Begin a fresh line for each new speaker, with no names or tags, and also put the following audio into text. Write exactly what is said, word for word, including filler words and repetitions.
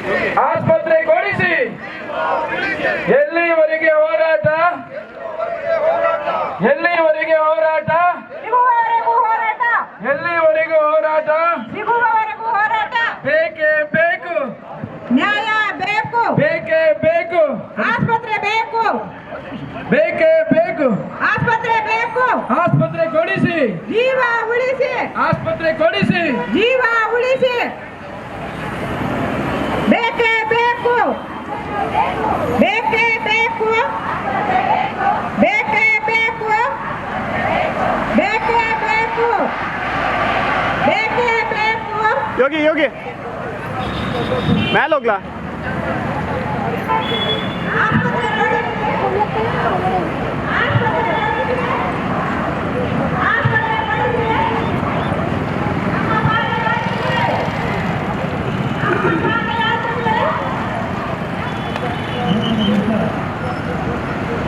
ಆಸ್ಪತ್ರೆ ಕೊಡಿಸಿ. ಎಲ್ಲಿವರೆಗೆ ಹೋರಾಟ? ಎಲ್ಲಿವರೆಗೆ ಹೋರಾಟ? ಎಲ್ಲಿವರೆಗೂ ಹೋರಾಟ? ಬೇಕೇ ಬೇಕು,
ನ್ಯಾಯ ಬೇಕು,
ಬೇಕೇ ಬೇಕು,
ಆಸ್ಪತ್ರೆ ಬೇಕು,
ಬೇಕೇ ಬೇಕು,
ಆಸ್ಪತ್ರೆ ಬೇಕು,
ಆಸ್ಪತ್ರೆ ಕೊಡಿಸಿ,
ಜೀವ ಉಳಿಸಿ,
ಆಸ್ಪತ್ರೆ ಕೊಡಿಸಿ,
ಜೀವ ಉಳಿಸಿ, ಬೇಕೇ ಬೇಕು, ಬೇಕೇ ಬೇಕು, ಬೇಕೇ ಬೇಕು, ಬೇಕೇ ಬೇಕು, ಬೇಕೇ ಬೇಕು.
ಯೋಗಿ ಯೋಗಿ ಮೇಲೆ ಹೋಗ್ಲಾ?
ಆಸ್ಪತ್ರೆ